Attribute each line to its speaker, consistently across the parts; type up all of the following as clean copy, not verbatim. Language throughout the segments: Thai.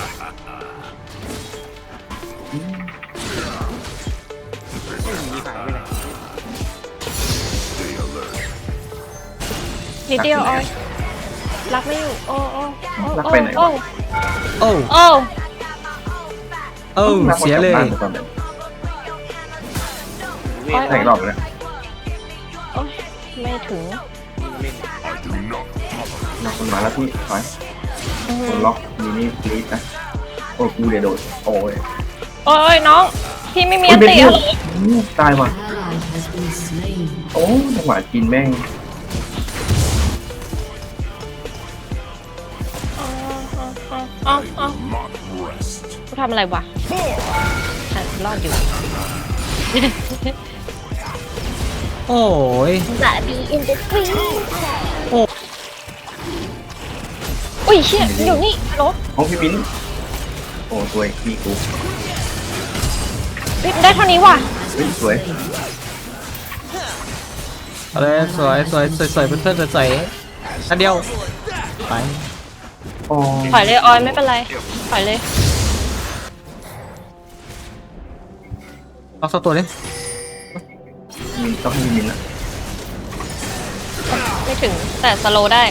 Speaker 1: มีหายไปไหน
Speaker 2: นิดเดียวออยรักไม่อยู่โอ้โอ้โอ้
Speaker 3: รัก
Speaker 2: โอ้
Speaker 3: ไปไหน
Speaker 2: โอ้
Speaker 4: โอ้
Speaker 2: โอ้
Speaker 4: โอ้เสียเลย
Speaker 3: ตอนไหน
Speaker 1: เวท
Speaker 3: ใส่รอบเลย
Speaker 2: โอ้ยไม่ถึง
Speaker 1: เล่น
Speaker 3: ล็อกมันมาแล้วพี่ถอยคนล็อกมีนี่ปลีดนะโอ้กูเดี๋ยวโดดโอ้ย
Speaker 2: โอ้ยน้องพี่ไม่มีอันตีเหรอ
Speaker 3: ตายว่ะโอ้จังหวะกินแม่ง
Speaker 2: อ๋อกูทำอะไรวะรอดอยู่
Speaker 4: โอ้ย
Speaker 2: จะบีอินเดสทรีอุ้ยเชี่ยอยู่นี่รถ
Speaker 3: โอ้พี่ปิ้นโอ้สวยพี่กู
Speaker 2: ได้เท่านี้ว่ะ
Speaker 3: เฮ้ยสวย
Speaker 4: อะไรสวยสวยสวยสวยเพื่อนๆสวยอันเดียวไป
Speaker 3: โอ้
Speaker 2: ถอยเลยออยไม่เป็นไรถอยเลย
Speaker 4: ล็อกสักตัวดิ
Speaker 3: ต้องให้มินอ่ะ
Speaker 2: ไม่ถึงแต่สโลได้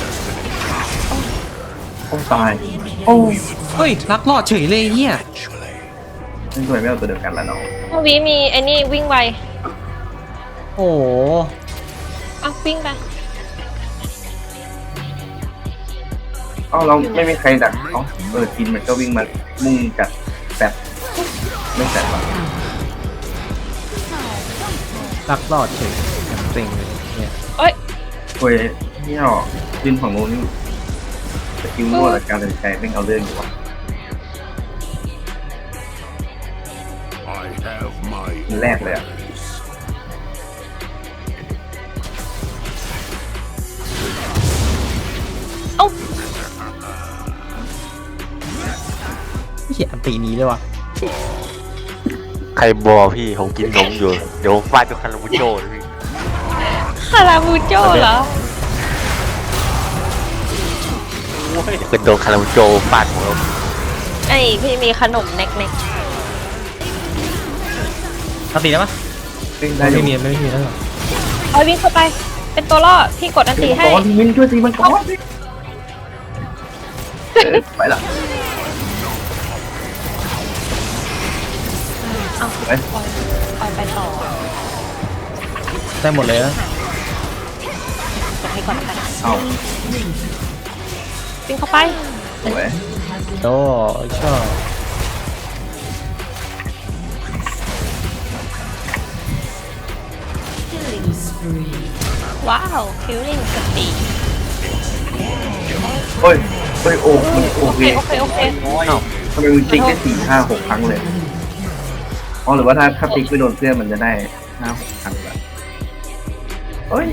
Speaker 3: โอ้ตายโอ้
Speaker 4: เฮ้ยรักรอดเฉยเลยเฮีย
Speaker 3: ไม่สวยไม่เอาตัวเดียวกันแล้วน้อง
Speaker 2: เมื่อวีมีไอ้นี่วิ่งไว
Speaker 4: โอ้โห
Speaker 2: เอาวิ่งไป
Speaker 3: อ๋อเราไม่มีใครดักอ๋อกินมันก็วิ่งมามุ่งกัดแสบไม่แสบอ่ะ
Speaker 4: รักรอดเฉยอย่างเต็งเลยเนี่ย
Speaker 2: เอ้ย
Speaker 3: สวยนี่หรอขึ้นฝั่งโน้นนี่สกิลรั่วและการตัดสินใจไม่เอาเรื่องอยู่ว่ะ
Speaker 5: I have my
Speaker 3: มันแรกเลยอ่ะ
Speaker 2: เอ้า
Speaker 4: เฮียอันตีนี้เลยว่ะ
Speaker 6: ใครบอกพี่ผมกินนมอยู่ เดี๋ยวฟาดด้วยคาราบูโจ้เลยพี่
Speaker 2: คาราบูโจ้เหรอ
Speaker 6: เป็นโดนคาราบูโจ้ฟาดหัว
Speaker 2: ไอ้พี่มีขนมเน็ก
Speaker 4: อันตีได้ปะ
Speaker 3: ได้
Speaker 4: ไม่มีไม่มีแล้วหรอ
Speaker 2: ๆออยวิ่งเข้าไป เป็นตัวล่อพี่กดอันตีให้
Speaker 3: ก่อนมินช่วยตีมันก่อนไปละ
Speaker 2: เอา
Speaker 3: ไป
Speaker 2: ออยไปต่อ
Speaker 4: ได้หมดเลยนะ
Speaker 2: กดให้ก่อนแล้วกัน
Speaker 3: เอา
Speaker 2: วิ่งเข้าไป
Speaker 3: สวย
Speaker 4: โอ้ชอบ
Speaker 2: ว้าวคิลลิ่งสปีด
Speaker 3: เฮ้ยโอ้มันโอ
Speaker 2: โอ
Speaker 3: เค
Speaker 2: เคโอเค
Speaker 1: น้อย
Speaker 3: ทำไมมึงติ๊กได้4-5-6 ครั้งเลยอ๋อหรือว่าถ้าติ๊กไม่โดนเพื่อนมันจะได้5-6 ครั้งแบบเฮ้ย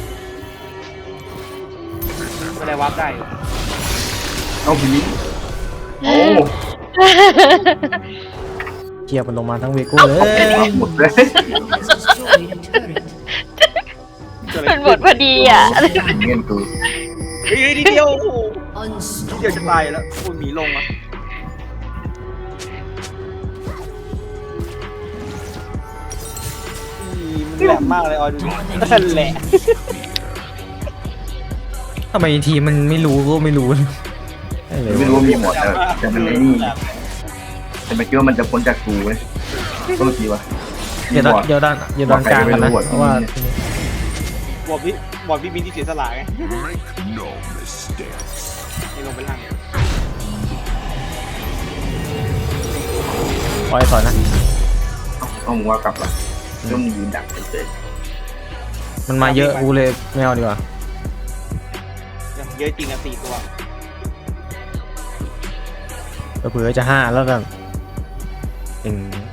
Speaker 1: ไม่ได้วับได้
Speaker 3: เอาพี่มิ้นโอ้
Speaker 4: เกียร์มันลงมาทั้งเวกูเลย
Speaker 3: หมดเลย
Speaker 2: เป็นบทพอดีอ่ะ
Speaker 3: เงี้ยกู
Speaker 1: เฮ้ยนิดเดียวโอ้โหนิดเดียวจะตายแล้วคุณหมีลงอ่ะมันแหลมมากเลยออยดูนั่นแหละ
Speaker 4: ทำไมทีมมันไม่รู้ก็ไม่รู้เลย
Speaker 3: ไม่รู้ว่ามีหมดแต่มันไม่นี่แต่ไม่คิดว่ามันจะพ้นจากกูเว้ยก็ทีวะ
Speaker 4: เดี๋ยวด้านกลางกันนะเพราะว่า
Speaker 1: บอดพี่บินที่เสียสละไง
Speaker 5: make no mistake.
Speaker 1: ให้ลงไปล่าง
Speaker 4: ปล่อยถอยนะ
Speaker 3: เอามึงว่ากลับละก็มึงยืนดักเฉย
Speaker 4: มันมาเยอะกูเลยไม่เอาดีกว่า
Speaker 1: เยอะจริงอ่ะ4 ตัว
Speaker 4: เผื่อจะ5แล้วกันเป็น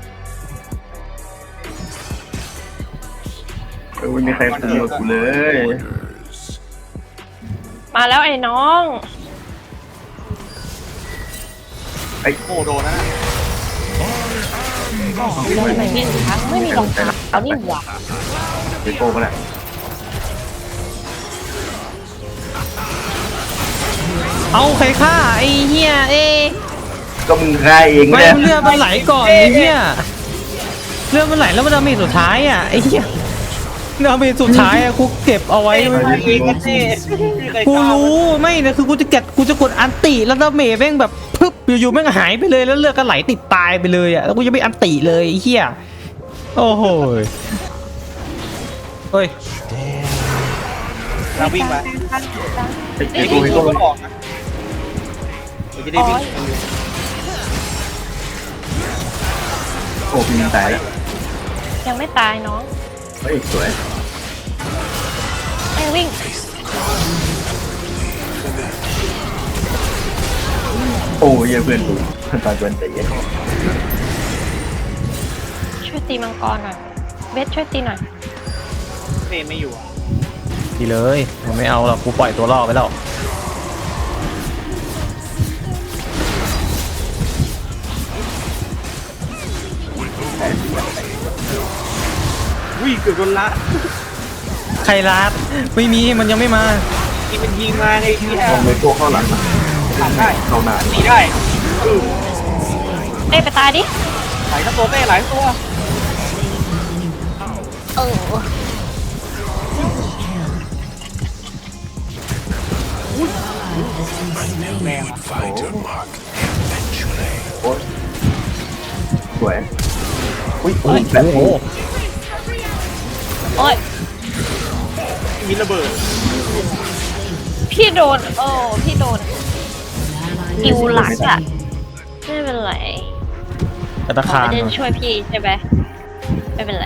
Speaker 3: ไม่มีใครคุยกับกูเลย
Speaker 5: Orders.
Speaker 2: มาแล้วไอ้น้อง
Speaker 3: ไอ้
Speaker 1: โอ้โดนนะ
Speaker 2: ทำไมไม่มีคะไม่มีรองเท้าเอานี่หว่า
Speaker 3: เดโก้ก็แหละ
Speaker 4: เอาใครฆ่าไอ้เหี้ย
Speaker 3: ก็มึงฆ่าเอง
Speaker 4: ไม่
Speaker 3: เนี่ย
Speaker 4: เลือดมันไหลก่อนไอ้เหี้ยเลือดมันไหลแล้วมันดาเมจสุดท้ายอ่ะไอ้เหี้ยดาเมจสุดท้ายอ่ะกูเก็บเอาไว้
Speaker 1: เองกันเต้
Speaker 4: กูรู้ไม่นะคือกูจะกดอันติแล้วดาเมจแม่งแบบปึ๊บอยู่ๆแม่งหายไปเลยแล้วเลือดก็ไหลติดตายไปเลยอ่ะแล้วกูจะไม่อันติเลยไอ้เหี้ยโอ้โหเฮ้ย
Speaker 1: เราวิ่งมา
Speaker 3: ไอ้กูให้
Speaker 1: ก็
Speaker 3: กู
Speaker 1: บอกนะเดี๋ยวจะได้วิ่ง
Speaker 3: โอ้พี่ตายแล้ว
Speaker 2: ยังไม่ตายน้อง
Speaker 3: เฮ้ยสวย
Speaker 2: ไอ้วิ่ง
Speaker 3: โอ้ยเพื่อนกูตอนเพื่อนใจเย็น
Speaker 2: ช่วยตีมังกรหน่อยเวทช่วยตีหน่อย
Speaker 1: เต้ไม่อยู่อ่ะ
Speaker 4: ดีเลยมันไม่เอาหรอกกูปล่อยตัวล่อไปแล้ว
Speaker 1: วิ่งเกือบโดนละ
Speaker 4: ใครรัดไม่มีมันยังไม่มา
Speaker 1: ที่มันยิงมาในที่แอ
Speaker 3: มอง
Speaker 1: ร์
Speaker 3: ไปตัวเข้าหลังนะ
Speaker 1: ผ่านได้
Speaker 3: เข้าหน้า
Speaker 1: หนีได้
Speaker 2: เต้ไปตายดิ
Speaker 1: หลายทั้งตัวเต้หลายตัว
Speaker 2: เออ
Speaker 1: แรงอ่ะ
Speaker 5: Fighter mark.
Speaker 3: โอ้ยสวยอุ้ย
Speaker 4: โอ้
Speaker 3: แบบ
Speaker 4: โห
Speaker 2: โอ้ย
Speaker 1: มีระเบิด
Speaker 2: พี่โดนโอ้พี่โดนกิวหลักอะไม่เป็นไร
Speaker 4: กระตะ
Speaker 2: ขอ
Speaker 4: คาน
Speaker 2: ไปเดินช่วยพี่ใช่ไหมไม่เป็นไร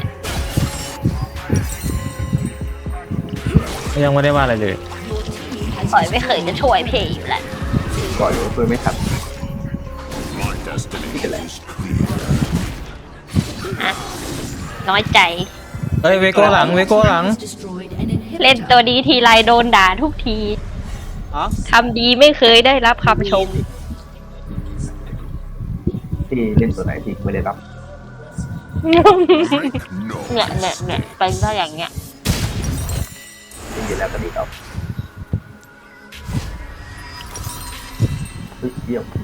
Speaker 4: ยังไม่ได้ว่าอะไรเลย
Speaker 2: ปล่อยไม่เคยจะช่วยพี่อยู่แหละ
Speaker 3: ก่อนอยู่เพื่อนไม่ทัน
Speaker 5: My destination is clear.
Speaker 2: อะน้อยใจ
Speaker 4: เฮ้ยเวโก้หลังเวโก้หลัง
Speaker 2: เล่นตัวดีทีไรโดนด่าทุกที
Speaker 1: อ๋อ
Speaker 2: ทำดีไม่เคยได้รับคำชม
Speaker 3: ที่เล่นตัวไหนที่ไม่ได้รับ
Speaker 5: No
Speaker 2: เนี่ยเป็นก็อย่างเงี้ย
Speaker 3: เล่นอยู่แล้วก็ดีครับเฮ้ยเยี่ยม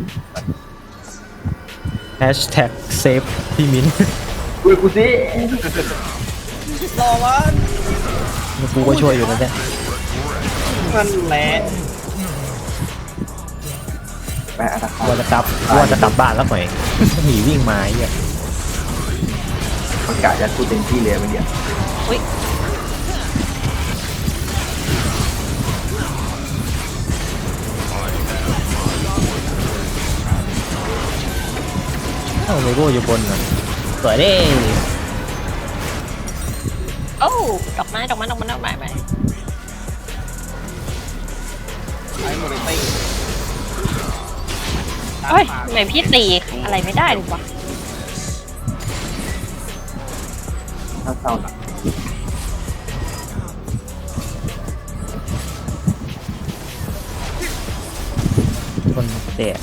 Speaker 4: แฮชแท็กเซฟพี่มิ้น
Speaker 3: อุ้ยกูสิ
Speaker 1: รอวัน
Speaker 4: กูก็ช่วยอยู่นะเนี่ย
Speaker 1: มันแหละ
Speaker 3: แปะอาตาคา
Speaker 4: ว่าจะกลับบ้านแล้วหน่อย หนีวิ่งมาไอ้เหี้ย
Speaker 3: ประกาศยัดกูเต็มที่เลยเมื่อกี้
Speaker 2: อุ้ย
Speaker 4: เอ้าเวโก้อยู่บนน่ะสวยเด้
Speaker 2: โอ้ดอกไม้ไป
Speaker 1: ไอ้โมเดลเต้
Speaker 2: เฮ้ยทำไมพี่ตีอะไรไม่ได้หรอวะ
Speaker 3: ถ้าเศร้าหนัก
Speaker 4: คนเตะ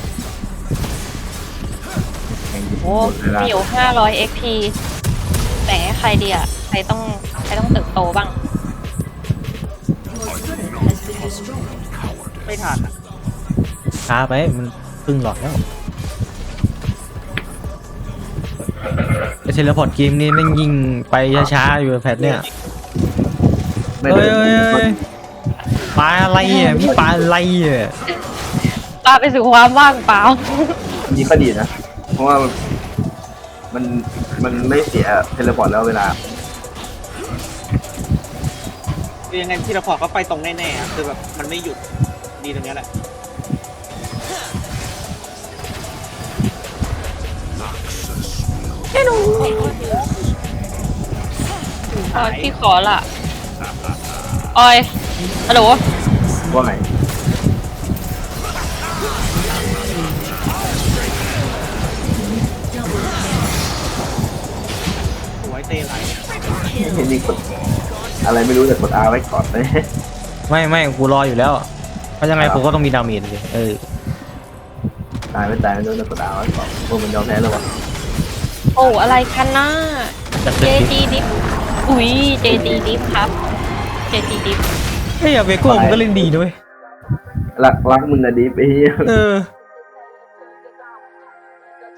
Speaker 3: แข่งยิง
Speaker 2: โอ้
Speaker 3: หมดเวลา
Speaker 2: มีอยู่500 XP แต่ใครดีอ่ะใครต้องเติบโตบ้าง
Speaker 1: ไม่ทันอ่ะ
Speaker 4: ช้าไปมันครึ่งหลอดแล้วไอเทเลพอร์ตเกมนี้แม่งยิงไปช้าๆอยู่แพทเนี่ย
Speaker 3: ไม่
Speaker 4: เฮ้
Speaker 3: ได้
Speaker 4: ยปลาอะไรอ่ะพี่ปลาอะไรอ่ะ
Speaker 2: ปาไปสู่ความว่างเปล่า
Speaker 3: นี่ก็ดีนะ เพราะว่ามันไม่เสียเทเลพอร์ตแล้วเวลา
Speaker 1: คือยังไงที่เราพอร์ตก็ไปตรงแน่ๆอะคือแบบมันไม่หยุดดีตรงเนี้ยแหละ
Speaker 2: ออยพี่ขอละออยฮัลโหล
Speaker 3: ว่าไง
Speaker 1: สวยเต้ไหล
Speaker 3: เห็นนี่กดอะไรไม่รู้แต่กด R ไว้ก่อนเลย
Speaker 4: ไม่กูรออยู่แล้วเพราะยังไงกูก็ต้องมีดาเมจเลย
Speaker 3: ตายไม่ตายไม่รู้แต่กด R ไว้ก่อนพวกมันยอมแพ้แล้ววะ
Speaker 2: โอ้อะไรกันนะ เจจีดิฟอุ้ยเจจีดิฟครับเจจีดิฟ
Speaker 4: เฮ้ยเวโก้มันก็เล่นดีด้วย
Speaker 3: รักมึงอะดิฟไอ้เหี้ย
Speaker 4: เออ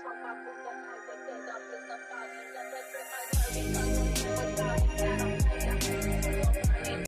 Speaker 7: fuck my food, that's how I get up in the body, yeah, that's it, I